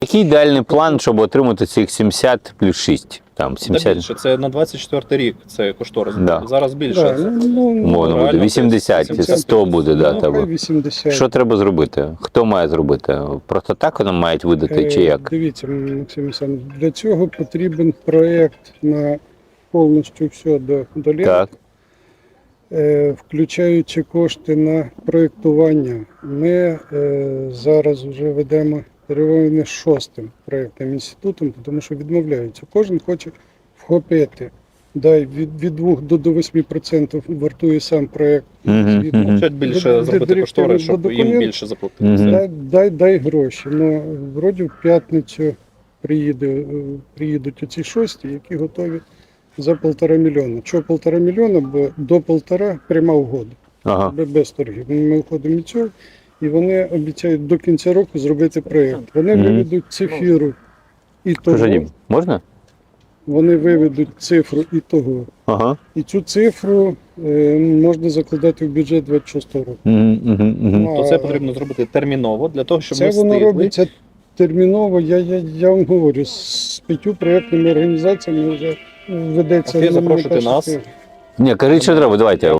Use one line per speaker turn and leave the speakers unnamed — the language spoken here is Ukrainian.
Який ідеальний план, щоб отримати цих 70 плюс 6? Там, 70...
Більше, це на 24 рік, це кошторис.
Да.
Зараз більше.
Да,
Мовно буде.
реально
80, 100 буде, да,
хай
тебе.
80.
Що треба зробити? Хто має зробити? Просто так вони мають видати, чи як?
Дивіться, Максим Олександрович, для цього потрібен проєкт на повністю все до літа.
Так.
Включаючи кошти на проєктування. Ми зараз вже ведемо перемовини з 6-м проєктним інститутом, тому що відмовляються. Кожен хоче вхопити. Дай від 2 до 8% вартує сам проєкт.
Хочуть більше зробити кошторис, щоб їм більше заплатити.
Дай гроші. Ну, вроді в п'ятницю приїдуть оці 6, які готові за 1,5 мільйона. Чого 1,5 мільйона? Бо до 1,5 пряма угода.
Ага.
Без торгів. Ми виходимо від цього, і вони обіцяють до кінця року зробити проєкт. Вони виведуть цифру і того.
Можна?
Вони виведуть цифру і того.
Ага.
І цю цифру можна закладати в бюджет 26 року.
То це потрібно зробити терміново, для того, щоб
це
ми
воно
встигли.
робиться терміново. Я вам говорю, з 5 проєктними організаціями вже ведеться.
Окей, запрошуйте нас.
Ні, кажіть, що треба, давайте.